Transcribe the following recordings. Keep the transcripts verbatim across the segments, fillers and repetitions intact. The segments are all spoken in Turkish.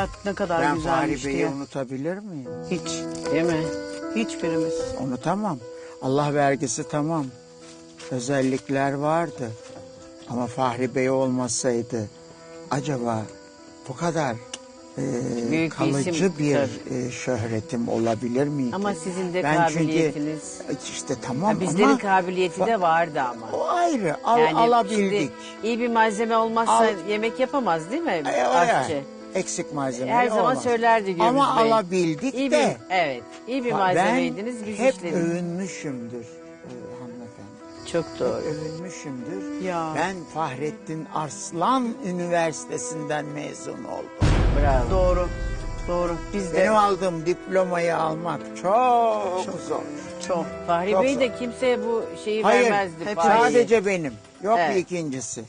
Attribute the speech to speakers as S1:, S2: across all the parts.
S1: hayat ne kadar
S2: Ben
S1: güzelmiş
S2: Fahri Bey'i
S1: diye.
S2: unutabilir miyim?
S1: Hiç.
S3: Değil mi?
S1: Hiçbirimiz.
S2: Unutamam. Allah vergisi tamam. Özellikler vardı. Ama Fahri Bey olmasaydı acaba bu kadar e,
S3: Büyük bir
S2: kalıcı
S3: isim,
S2: bir
S3: tabii.
S2: e, şöhretim olabilir miydi?
S3: Ama sizin de
S2: Ben
S3: kabiliyetiniz.
S2: Çünkü, işte tamam
S3: Ha, bizlerin
S2: ama
S3: kabiliyeti de vardı ama.
S2: o ayrı. Al,
S3: Yani
S2: alabildik.
S3: şimdi iyi bir malzeme olmazsa
S2: Al-
S3: yemek yapamaz değil mi
S2: E, o
S3: aşçı?
S2: yani. Eksik malzeme
S3: Her zaman
S2: olmaz.
S3: söylerdi Gürbüz
S2: Ama
S3: Bey.
S2: alabildik
S3: İyi
S2: de.
S3: bir, evet, iyi bir
S2: Ben
S3: malzemeydiniz biz
S2: hep
S3: işledik.
S2: övünmüşümdür e, hanımefendi.
S3: Çok doğru.
S2: Övünmüşümdür.
S1: Ya.
S2: Ben Fahrettin Arslan Üniversitesi'nden mezun oldum.
S3: Bravo.
S1: Doğru. Doğru. Biz de
S2: Benim aldığım diplomayı almak çok, zor.
S1: çok.
S3: Fahri
S2: Çok
S3: Bey
S2: zor.
S3: de kimseye bu şeyi
S2: Hayır,
S3: vermezdi.
S1: hep
S3: Fahri'yi.
S2: sadece benim. Yok
S3: Evet.
S2: bir ikincisi.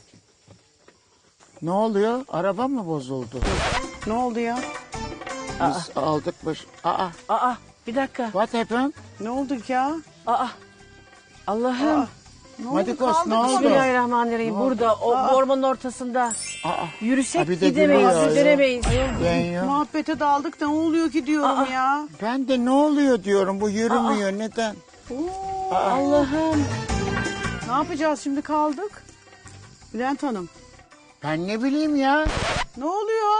S2: Ne oluyor? Araba mı bozuldu?
S1: Ne oldu ya?
S2: Biz aldık baş... Aa,
S3: Aa, bir dakika.
S2: what happened?
S1: Ne oldu ya?
S3: Aa, Allah'ım.
S1: Aa, Ne oldu?
S2: Madikos,
S1: Kaldık
S2: ne oldu?
S1: mı?
S3: Bismillahirrahmanirrahim. Burada o
S1: Aa.
S3: ormanın ortasında
S2: Aa,
S3: yürüsek
S2: Ha, bir de
S3: gidemeyiz,
S2: gülüyor.
S3: gidemeyiz.
S2: ben yok.
S1: Muhabbete daldık da ne oluyor ki diyorum
S3: Aa.
S1: ya.
S2: Ben de ne oluyor diyorum. Bu yürümüyor. Neden?
S1: Oo,
S3: Allah'ım.
S1: ne yapacağız şimdi kaldık? Bülent Hanım.
S2: Ben ne bileyim ya.
S1: Ne oluyor?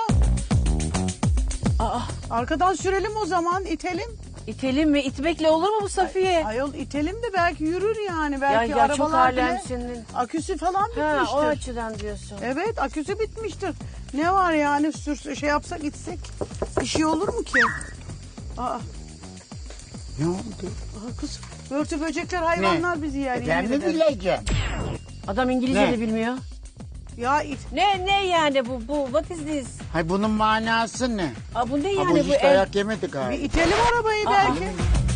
S3: Aa,
S1: Arkadan sürelim o zaman itelim.
S3: itelim mi? İtmekle olur mu bu Safiye?
S1: Ayol itelim de belki yürür yani.
S3: ya
S1: Belki
S3: ya çok
S1: arabalar bile
S3: alemsinin.
S1: aküsü falan
S3: Ha,
S1: bitmiştir.
S3: o açıdan diyorsun.
S1: Evet aküsü bitmiştir. Ne var yani sür şey yapsak gitsek bir şey olur mu ki? Aa,
S2: Ne oldu?
S1: aa kız börtü böcekler hayvanlar bizi yer.
S2: E, ben
S1: yemin
S2: mi
S1: ederim.
S2: bileceğim?
S3: Adam İngilizce
S2: Ne?
S3: de bilmiyor.
S1: Ya it.
S3: Ne ne yani bu bu what is this?
S2: Hay bunun manası ne?
S3: Aa, bu ne
S2: Ha, bu
S3: yani bu
S2: hiç
S3: el?
S2: dayak yemedi
S1: Bir
S2: galiba.
S1: itelim arabayı
S3: Aa.
S1: belki.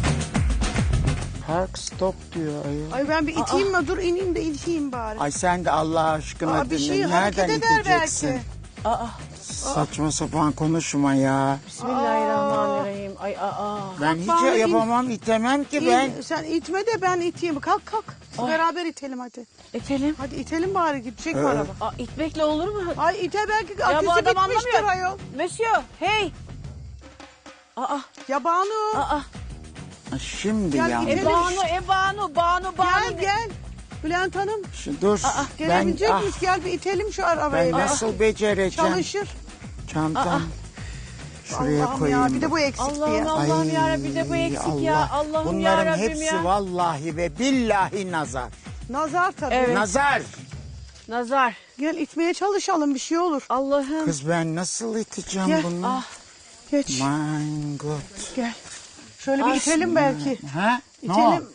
S2: Park stop diyor ayol.
S1: Ay ben bir iteyim mi? Dur ineyim de iteyim bari.
S2: Ay sen de Allah aşkına
S1: Aa, bir
S2: dinle.
S1: şey hareket
S2: Nereden
S1: eder
S2: iteceksin?
S1: belki.
S3: Aa,
S2: Saçma sapan konuşma ya.
S3: Bismillahirrahmanirrahim. Ay aa.
S2: Ben hiç
S1: bari in-
S2: yapamam, itemem ki
S1: İn-
S2: ben.
S1: Sen itme de ben iteyim. Kalk kalk.
S3: Ay.
S1: Beraber itelim hadi.
S3: İtelim.
S1: Hadi itelim bari gidecek mi
S2: Evet.
S1: araba?
S3: Aa, itmekle olur mu?
S1: Ay ite belki
S3: bu
S1: aküsü
S3: adam
S1: bitmiştir
S3: anlamıyor.
S1: ayol.
S3: Monsieur, hey. Aa,
S1: Ya Banu.
S3: aa.
S2: Ha, Şimdi
S1: Gel
S2: ya.
S1: itelim.
S3: E Banu, e Banu, Banu, Banu.
S1: Gel gel. Bülent Hanım
S2: Şu, dur. ben
S1: gelebilecek
S2: ah,
S1: miyiz? Gel bir itelim şu
S2: ben
S1: arabayı. Aa,
S2: nasıl becereceğim?
S1: Çalışır.
S2: Çantam. Şuraya
S1: Allah'ım
S2: koyayım.
S1: ya bir de bu eksikti
S3: Allah'ım
S1: ya.
S3: Allah'ım yarabbim bir de bu eksik ya. Allah'ım
S2: Bunların
S3: yarabbim
S2: hepsi
S3: ya.
S2: vallahi ve billahi nazar.
S1: Nazar tabii.
S3: Evet.
S2: Nazar.
S3: Nazar.
S1: Gel itmeye çalışalım bir şey olur.
S3: Allah'ım.
S2: Kız ben nasıl iteceğim
S1: Gel.
S2: bunu?
S3: Ah.
S1: Geç
S2: My God.
S1: gel. Şöyle bir
S3: Ay,
S1: itelim belki.
S2: Ha? Ne o?
S1: İtelim.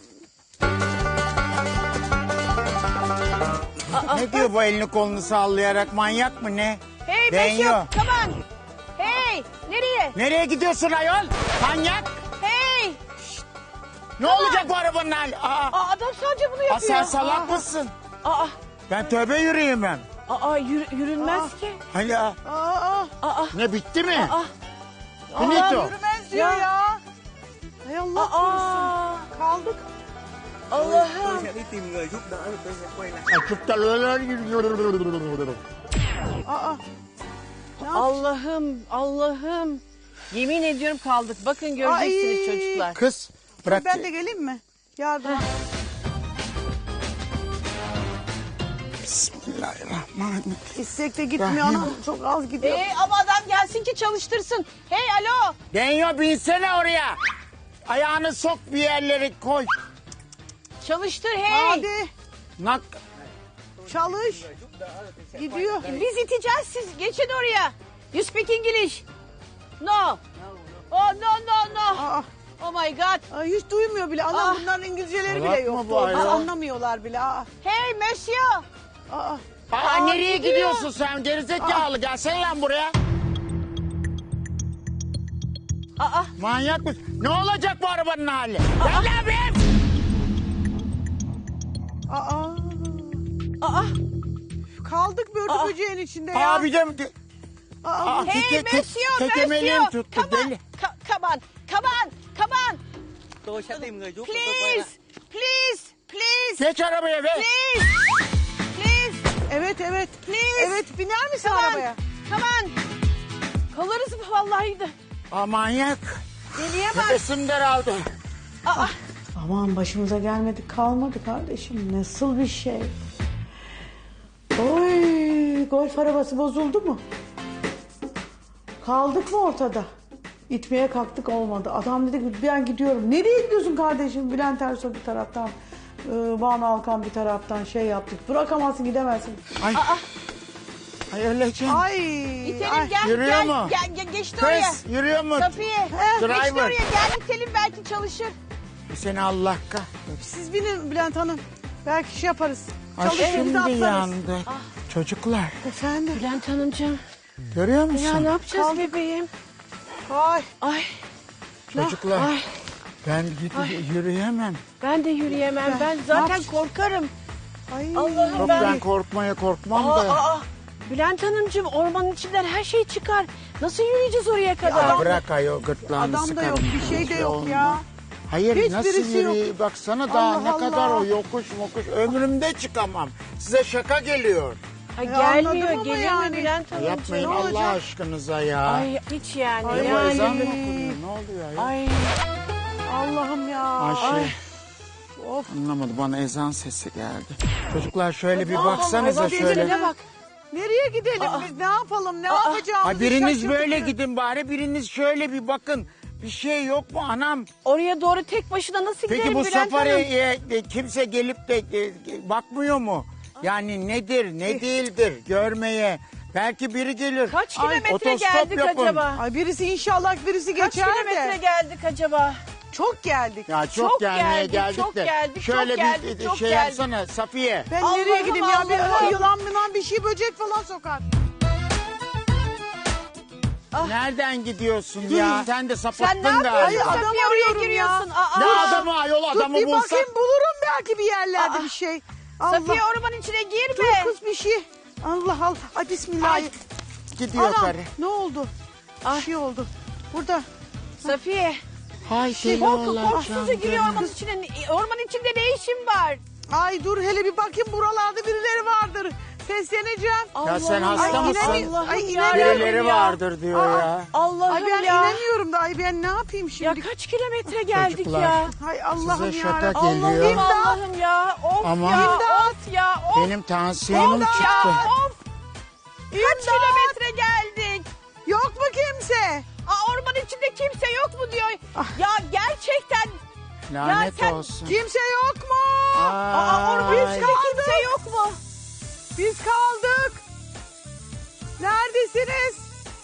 S2: Ne diyor bu elini kolunu sallayarak, manyak mı ne?
S3: Hey
S2: Ben
S3: Monsieur,
S2: yok.
S3: come on. Hey, nereye?
S2: Nereye gidiyorsun ayol? Manyak.
S3: Hey.
S2: Ne olacak bu arabanın hali? Aa,
S3: Aa, adam sadece bunu
S2: aa,
S3: yapıyor.
S2: sen salak mısın?
S3: Aa,
S2: Ben tövbe yürüyemem.
S3: aa, yürü, yürünmez ki.
S2: Hani aa,
S1: Aa,
S3: Aa,
S2: ne bitti mi?
S3: aa,
S2: Finito.
S1: yürümez diyor
S3: Ya.
S1: ya. Hay Allah korusun.
S3: aa.
S1: Kaldık.
S3: Allah'ım.
S2: Açıp da
S1: Aa.
S3: Allah'ım, Allah'ım. Yemin ediyorum kaldık. Bakın göreceksiniz
S1: Ay.
S3: çocuklar.
S2: Kız bırak.
S1: Ben de geleyim mi? Yardım.
S2: Bismillahirrahmanirrahim.
S1: İstek de gitmiyor
S2: Rahim.
S1: anam. Çok az gidiyor.
S3: Ee, ama adam gelsin ki çalıştırsın. Hey alo.
S2: Denyo binsene oraya. Ayağını sok bir yerlere koy.
S3: Çalıştır hey.
S1: Hadi
S2: Nak.
S1: çalış. Gidiyor.
S3: Biz iteceğiz siz. Geçin oraya. You speak English. No. Oh no no no.
S1: Aa,
S3: Oh my god.
S1: ay, hiç duymuyor bile. Anam
S3: Ah.
S1: bunların İngilizceleri
S2: Salak
S1: bile
S2: mı
S1: yok.
S2: bu ayol?
S1: Anlamıyorlar bile. Aa,
S3: Hey monsieur.
S1: aa.
S2: Aa,
S3: Aa,
S2: nereye
S3: gidiyor.
S2: gidiyorsun sen gerizekalı? Gelsene lan buraya.
S3: Aa.
S2: Manyak mısın? Ne olacak bu arabanın hali? Gel lan be!
S1: Aa.
S3: Aa.
S1: Kaldık börtü
S3: Aa.
S1: böceğin içinde ya.
S2: Abi de...
S1: Aa,
S2: Aa,
S3: Hey
S2: teke- te-
S3: monsieur,
S2: tekemeliğim
S3: monsieur.
S2: tuttu,
S3: Come on.
S2: deli.
S3: Ka- Come on. Come on. Come on.
S4: Tôi sẽ tìm người giúp của tôi quay
S3: Please.
S4: lại.
S3: Please. Please.
S2: Geç arabaya be.
S3: Please. Please.
S1: evet evet.
S3: Please.
S1: Evet biner misin
S3: Come on.
S1: arabaya?
S3: Come on. Kalırız vallahi de.
S2: Aa, manyak.
S3: Deliye bak.
S2: Nefesim daraldı.
S3: Aa,
S1: Aman başımıza gelmedi kalmadı kardeşim. Nasıl bir şey? Oy, golf arabası bozuldu mu? Kaldık mı ortada? İtmeye kalktık olmadı. Adam dedi ki ben gidiyorum. Nereye gidiyorsun kardeşim? Bülent Ersoy bir taraftan, e, Banu Alkan bir taraftan şey yaptık. Bırakamazsın gidemezsin.
S2: Ay. Ay öleceğim.
S1: Ay.
S3: itelim
S1: ay.
S3: gel
S2: Yürüyor
S3: gel,
S2: mu?
S3: gel gel geçti oraya.
S2: Kız yürüyor mu?
S3: Safiye. Geçti
S2: Driver.
S3: oraya gel itelim belki çalışır.
S2: Seni Allah kahretsin.
S1: Siz binin Bülent Hanım. Belki şey yaparız.
S2: Ay
S1: Çalışır
S2: şimdi
S1: bizi atlarız.
S2: yandı. Çocuklar
S1: Efendim.
S3: Bülent Hanımcığım.
S2: görüyor musun?
S3: Ya ne yapacağız bebeğim?
S1: Ay.
S3: Ay
S2: Çocuklar
S3: ay
S2: ben gidip yürüyemem.
S3: ben de yürüyemem. Ben
S1: Ne
S3: zaten
S1: yapacağız?
S3: korkarım.
S1: Ay.
S3: Allah'ım
S2: Yok
S3: ben.
S2: ben korkmaya korkmam
S3: Aa,
S2: da.
S3: aa. Bülent Hanımcığım ormanın içinden her şey çıkar. Nasıl yürüyeceğiz oraya kadar?
S2: Ya bırak ayol gırtlağını
S1: Adam da yok,
S2: sıkarım.
S1: bir şey de
S2: Hiçbir
S1: yok
S2: olmaz.
S1: ya.
S2: Hayır
S1: Hiçbirisi
S2: nasıl
S1: yok.
S2: yürüyeyim? Baksana daha
S1: Allah
S2: ne kadar
S1: Allah.
S2: o yokuş mokuş. Ömrümde çıkamam. Size şaka geliyor.
S3: Ay,
S1: Ya
S3: gelmiyor,
S1: anladım ama
S3: geliyor
S1: yani.
S3: mu Bülent Hanımcığım?
S2: Yapmayın
S1: ne
S2: Allah
S1: olacak?
S2: aşkınıza ya.
S3: Ay hiç yani.
S1: Ay,
S2: Ne bu
S3: yani.
S2: ezan mı okunuyor? Ne oluyor ya?
S3: Ay,
S1: Allah'ım ya.
S2: Ayşe.
S1: Ay. Of.
S2: Anlamadım bana ezan sesi geldi. Çocuklar şöyle bir
S3: Allah
S2: baksanıza
S3: Allah,
S2: şöyle.
S3: gecelerine bak.
S1: Nereye gidelim biz? Ne yapalım? Ne yapacağımızı
S2: Ay biriniz
S1: şaşırdık.
S2: böyle gidin bari biriniz şöyle bir bakın. Bir şey yok mu anam?
S3: Oraya doğru tek başına nasıl
S2: Peki
S3: gidelim
S2: bu
S3: Bülent Hanım?
S2: safariye e, kimse gelip de e, e, bakmıyor mu? Yani nedir ne değildir görmeye. Belki biri gelir.
S3: Kaç
S2: Ay,
S3: kilometre
S2: otostop
S3: geldik
S2: yapın.
S3: acaba?
S1: Ay birisi inşallah birisi
S3: Kaç
S1: geçer
S3: kilometre
S1: de.
S3: geldik acaba?
S1: Çok geldik.
S2: Ya çok,
S3: Çok
S2: gelmeye
S3: geldik,
S2: geldik
S3: çok
S2: de.
S3: geldik,
S2: Şöyle
S3: çok
S2: bir
S3: geldik,
S2: e,
S3: çok
S2: şey
S3: geldik.
S2: yapsana Safiye.
S1: Ben
S3: Allah'ım,
S1: nereye gideyim ya? Bir
S3: Allah'ım.
S1: yılan mılan bir şey böcek falan sokar.
S2: Nereden gidiyorsun ya? Sen de sapattın
S3: Sen ne yapıyorsun?
S2: galiba.
S1: Ay, adam
S3: Safiye oraya
S1: arıyorum
S3: giriyorsun.
S1: ya.
S3: Aa,
S2: Ne
S3: aa.
S2: adamı ayol adamı
S1: Dur bir
S2: bulsak.
S1: bakayım bulurum belki bir yerlerde
S3: Aa.
S1: bir şey. Allah.
S3: Safiye ormanın içine girme.
S1: Dur kız bir şey. Allah Allah. Ay bismillah.
S3: Ay.
S2: Gidiyor
S1: Anam
S2: karı.
S1: ne oldu?
S3: Ay.
S1: Bir şey oldu. Burada.
S3: Safiye.
S2: Hay deli
S3: Korku
S2: olacağım
S3: korkusuzca giriyor
S2: canım.
S3: ormanın içine. Ormanın içinde ne işin var?
S1: Ay dur hele bir bakayım buralarda birileri vardır. Sesleneceğim.
S2: Ya sen
S3: Allah'ım,
S2: hasta
S1: Ay,
S2: mısın?
S1: inanamıyorum. Ay,
S3: Allah'ım
S1: inanamıyorum
S3: yarabbim
S2: Birileri
S3: ya.
S2: vardır diyor
S1: Aa.
S2: ya.
S3: Allah'ım
S1: Ay ben
S3: ya.
S1: inanıyorum da ay ben ne yapayım
S3: Ya
S1: şimdi?
S3: kaç kilometre geldik
S2: Çocuklar.
S3: ya.
S1: Hay Allah'ım
S2: Size
S1: ya.
S2: şaka
S1: Rabbim.
S2: geliyor.
S3: Allah'ım
S1: İmdat.
S3: Allah'ım ya. Of
S2: Aman.
S3: ya.
S1: İmdat.
S3: Of ya. Of.
S2: Benim tansiyonum
S3: Of
S2: çıktı.
S3: ya. Of. Kaç kilometre geldik?
S1: Yok mu kimse?
S3: Aa, ormanın içinde kimse yok mu diyor.
S1: Ah.
S3: Ya gerçekten.
S2: Lanet
S3: sen-
S2: olsun.
S1: Kimse yok mu?
S3: Aa, ormanın
S2: Ay.
S3: içinde kimse yok mu?
S1: Biz kaldık. Neredesiniz?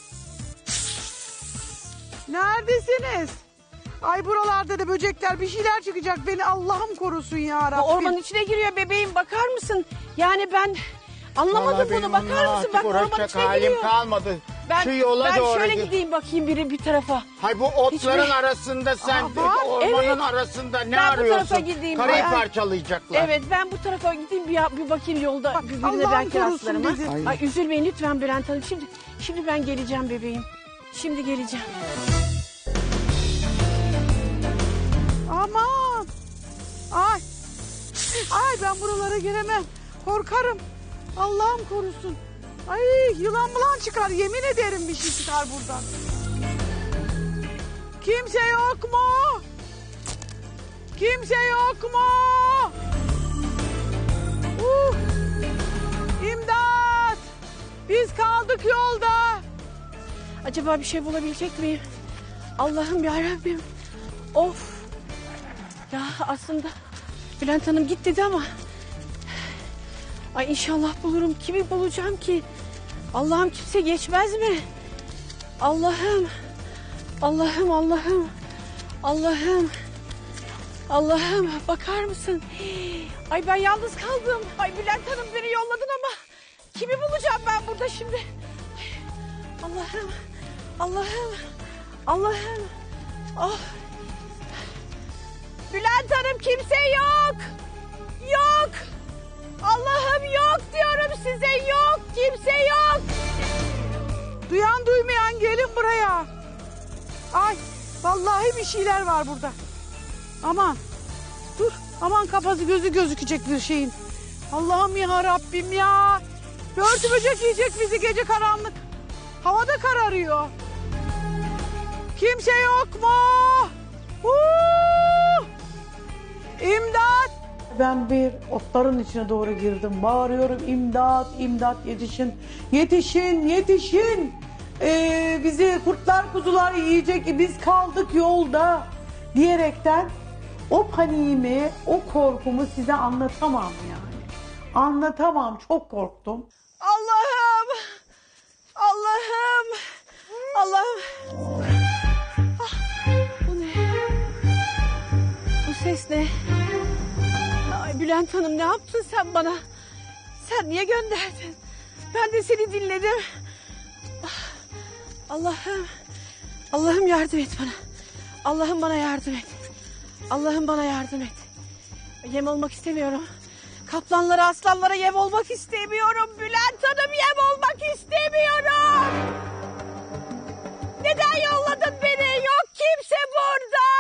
S1: Neredesiniz? Ay buralarda da böcekler bir şeyler çıkacak. Beni Allah'ım korusun ya
S3: Bu
S1: Rabbim.
S3: ormanın içine giriyor bebeğim, bakar mısın? Yani ben anlamadım
S2: Vallahi benim
S3: bunu, bakar
S2: onunla
S3: mısın?
S2: artık
S3: Bak ormanın
S2: uğraşacak
S3: içine
S2: halim
S3: giriyor.
S2: kalmadı.
S3: Ben,
S2: Şu yola
S3: ben
S2: doğru
S3: şöyle
S2: git.
S3: gideyim bakayım biri bir tarafa.
S2: Hay bu otların
S3: Hiçbir-
S2: arasında sen
S1: Aa, var.
S2: ormanın
S3: Evet.
S2: arasında ne
S3: Ben bu
S2: arıyorsun?
S3: tarafa gideyim.
S2: Karayı
S3: Ay.
S2: parçalayacaklar.
S3: Evet, ben bu tarafa gideyim bir, bir bakayım yolda
S1: Bak,
S3: birbirine
S1: Allah'ım
S3: belki
S1: korusun
S3: rastlarım. ha.
S1: dedi.
S2: Ay.
S3: Ay üzülmeyin lütfen Bülent Hanım. Şimdi şimdi ben geleceğim bebeğim. Şimdi geleceğim.
S1: Aman. Ay. Ay ben buralara giremem. Korkarım. Allah'ım korusun. Ay yılan bulan çıkar. Yemin ederim bir şey çıkar buradan. Kimse yok mu? Kimse yok mu? Uh. İmdat. Biz kaldık yolda.
S3: Acaba bir şey bulabilecek miyim? Allah'ım yarabbim. Of. Ya aslında Bülent Hanım git dedi ama. Ay inşallah bulurum. Kimi bulacağım ki? Allah'ım kimse geçmez mi? Allah'ım. Allah'ım Allah'ım. Allah'ım. Allah'ım bakar mısın? Ay ben yalnız kaldım. Ay Bülent Hanım beni yolladın ama kimi bulacağım ben burada şimdi? Ay, Allah'ım. Allah'ım. Allah'ım. Oh. Bülent Hanım kimse yok. Yok. Allah'ım yok diyorum size, yok. Kimse yok.
S1: Duyan duymayan gelin buraya. Ay vallahi bir şeyler var burada. Aman dur aman kafası gözü gözükecek bir şeyin. Allah'ım ya Rabbim ya. Börtü böcek yiyecek bizi gece karanlık. Havada kararıyor. Kimse yok mu? Huu! İmdat! Ben bir otların içine doğru girdim. Bağırıyorum imdat, imdat yetişin. Yetişin, yetişin. Ee, bizi kurtlar kuzular yiyecek. Biz kaldık yolda diyerekten o paniğimi, o korkumu size anlatamam yani. Anlatamam. Çok korktum. Allah'ım! Allah'ım! Allah'ım! Ah,
S3: Bu ne? Bu ses ne? Ay Bülent Hanım ne yaptın sen bana? Sen niye gönderdin? Ben de seni dinledim. Ah, Allah'ım. Allah'ım yardım et bana. Allah'ım bana yardım et. Allah'ım bana yardım et. Yem olmak istemiyorum. Kaplanlara, aslanlara yem olmak istemiyorum. Bülent Hanım yem olmak istemiyorum. Neden yolladın beni? Yok kimse burada.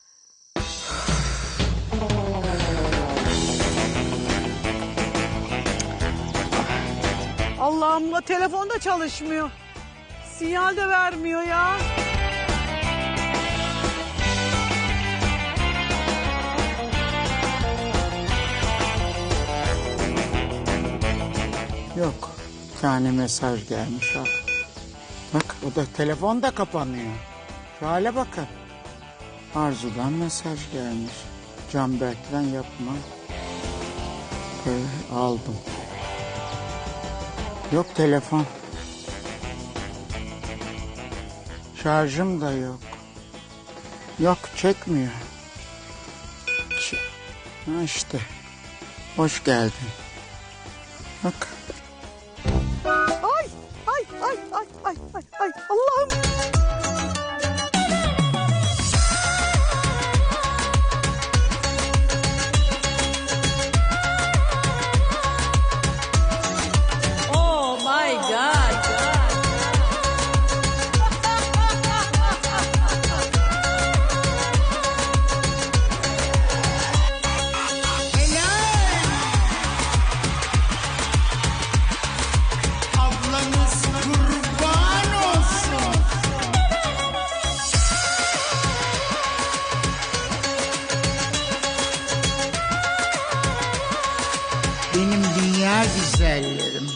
S1: Allah'ım la telefon da çalışmıyor. Sinyal de vermiyor ya.
S2: Yok. Bir tane mesaj gelmiş al. Bak o da telefon da kapanıyor. Şu hale bakın. Arzu'dan mesaj gelmiş. Canberk'ten yapma. Böyle aldım. Yok telefon. Şarjım da yok. Yok çekmiyor. Ç- ha işte. Hoş geldin. Bak.
S1: Ay, ay, ay, ay, ay, ay, ay. Allah'ım.
S3: Oh my God.
S2: Ablanız kurban olsun. Benim dünya güzellerim.